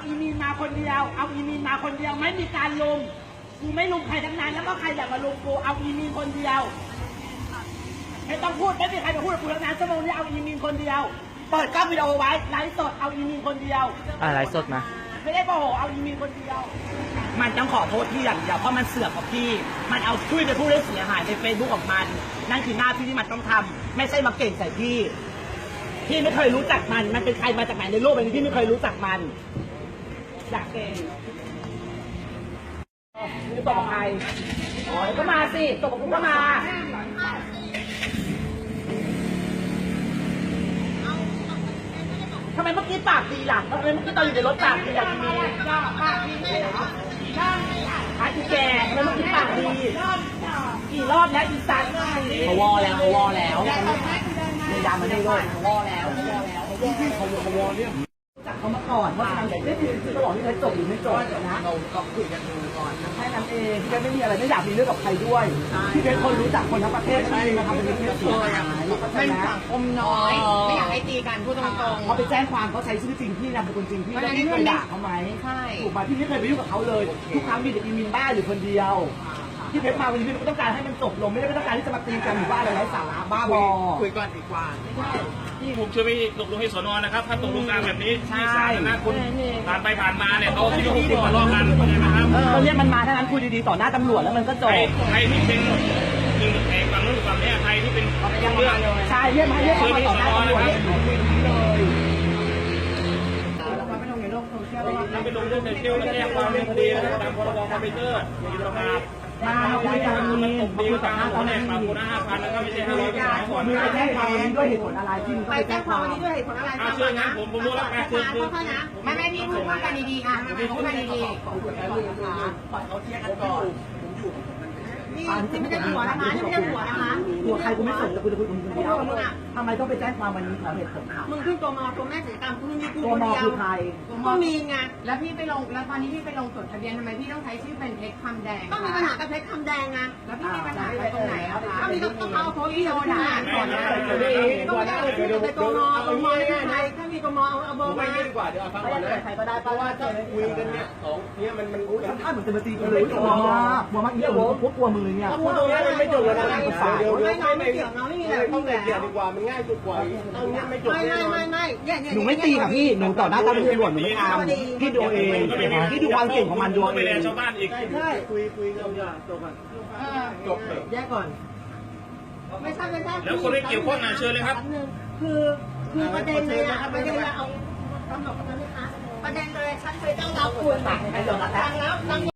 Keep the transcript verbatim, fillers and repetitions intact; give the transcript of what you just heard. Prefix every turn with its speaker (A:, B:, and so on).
A: อีมีนมาคนเดียวเอาอีมีนมาคนเดียวไม่มีการลุมกูไม่ลุมใครทั้งนั้นแล้วก็ใครอยากมาลุมกูเอาอีมีนคนเดียวไม่ต้องพูดไม่มีใครมาพูดกับกูทั้งนั้นชั่วโมงนี้เอาอีมีนคนเดียวเปิดกล้องวิดีโอไว้ไลฟ์สดเอาอีมีนคนเดียว
B: อ่าไลฟ์สดมา
A: ไม่ได้โมโหเอาอีมีนคนเดียวมันต้องขอโทษพี่อย่างเดียวเพราะมันเสือกกับพี่มันเอาช่วยไปพูดให้เสียหายในเฟซบุ๊กของมันนั่นคือหน้าที่ที่มันต้องทำไม่ใช่มาเก่งใส่พี่พี่ไม่เคยรู้จักมันมันเป็นใครมาจากไหนในโลกใบนี้พี่ไม่เคยรู้จักมันอยากเก่งนี่ตบกับใครอ๋อก็มาสิตบกับกูก็มาทำไมเมื่อกี้ปากดีล่ะทำไมเมื่อกี้ตอนอยู่ในรถปากดีล่ะมีปากดีไม่เหรอหาอีแก่ทำไมเมื่อกี้ปากดีกี่รอบแล้วอีสันเขาวอแล้วเขาวอแล้วในยามมันได้ด้วยเขาวอแล้วเขาวอแล้วเขาวอเขาวอเนี่ยจากเขามาก่อนว่าทางไหนได้ดีตลอดที่เคยจบหรือไม่จบนะเราเราคุยกันดูก่อนแค่นั้นเองพี่ไม่มีอะไรไม่อยากมีเรื่องกับใครด้วยพี่เป็นคนรู้จักคนทั้งประเทศที่มาทำเป็นประเทศเสียหาย
C: เป็นสังคมน้อยไม่อยากให้ตีกันพูดตรงๆ
A: เขาไปแจ้งความเขาใช้ชื่อจริงพี่นามสกุลจริงพี่แล้วพี่เคยด่าเขาไหม
C: ใช่
A: ถูกป่ะพี่ไม่เคยไปยุ่งกับเขาเลยทุกครั้งมีแต่อีมินบ้าอยู่คนเดียวพี่เพชรมาวันนี้พี่ก็ต้องการให้มันจบลงไม่ได้ต้องการที่จะมาตีกันหรือว่าอะไรไร้สาระบ้าบอ
C: คุยก่อนดีกว่า
D: ผมช่วยไปตกลงให้สนนะครับถ้าตกลงการแบบนี้ที่สาธารณะคุณผ่านไปผ่านมาเนี่ยเขาคิดว่าคุณทะเลาะกันนะครับ
A: เราเรียกมันมาถ้างั้นคุยดีๆต่อหน้าตำรวจแล้วมันก็จบ
D: ใครที่เป็นหนึ่งแห่งฝั่งนู้นฝั่งนี้ใครที่เป็นเรื่อง
A: ใช่เรียกมาเรียกมาต่อหน้าตำรวจเลย
D: ถ้าไปลงเรื่องในเที่ยวแล้วแจ้งความเป็นคดีนะครับตามพรบคอมพิวเตอร์มีประมาท
A: มาคุยกันมี
D: ตบตีกันเขาเนี่ยปรับคนละห้าพันแล้วก็ไม่ใช่ห้าร้อยเป็นสองคน
A: มึงไปแจ้งความวันนี้ด้วยเหตุผลอะไรที่มึง
C: ไปแจ้งความวันนี้ด้วยเหตุผลอะไร
D: เอาเชื่อนะผมผมรู้แล้วการเชื่อคือ
C: ไม่ไม่พี่พูดกันดีๆอ่ะพูดกันดีๆ
A: ปล่อยเขาเที่ยงกันก่อน
C: นี่ไม่ได้หัวนะคะนี่ไม่ได้หัวนะคะ
A: หัวใครกูไม่สนแต่กูจะคุยกับมึงคนเดียวทำไมต้องไปแจ้งความวันนี้ขอเหตุผล
C: มึงขึ้นตัวมอตัวแม่เสียตามกูมีกู
A: ตัวมอคือใคร
C: ก็มีไงแล้วพี่ไปลงแล้วตอนนี้พี่ไปลงจดทะเบียนทำไมพี่ต้องใช้ชื่อเป็นเพชรคำแดงก็มีปัญหากับเพชรคำแดงไงแล้วพี่มีปัญหาตรงไหนอะคะก็มีต้องเอาโพสต์ที่โดนด่าก่อนนะต้องไม่ได้เลยชื่อไปตัวมอตัวมอได้ไงถ้ามีตัวมอเอาเอาเบอร์มา
E: ไม่ดีกว่าเดี๋ยวเอาฟังก่อนนะ
A: ใครก็ได้
E: เพราะว่าถ้าคุยกันเนี่ยสองเนี่ยมันมัน
A: ทำท่าเหมือนจะมาตีกันเลยกลัวมากกลัวมากอีกแล้วพวกกลัวมือเนี่ย
E: พูดตรงนี้มันไม่จบแล้วนะเดี๋ยวเดี๋ยว
C: ไม่ไม่เกี่ยวเราไม่มีอะไร
E: ต้องเกี่ยวดีกว่ามันง่ายสุดกว่าต้องเนี้ยไม่จบ
C: ไม่ไม่ไม่ไม่
A: หนูไม่ตีค่ะพี่หนูต่อหน้าตำรวจหนูไม่ทำพี่ดูเองพี่ดูความเก่งของมันดูเอง
D: ไปแลชาวบ้านอีก
E: ใช่คุยคุยกันอย่าจบก่อนจบเลย
C: แยกก่อนไม่ใช่ไม่ใช่
D: แล้วคนที่เกี่ยวข้องนะเชิญเลยครับ
C: คือคือประเด็นเลยอะประเด็นเราเอาตำรวจกันนะคะประเด็นเลยฉันเคยต้องรับคุณทางแล้ว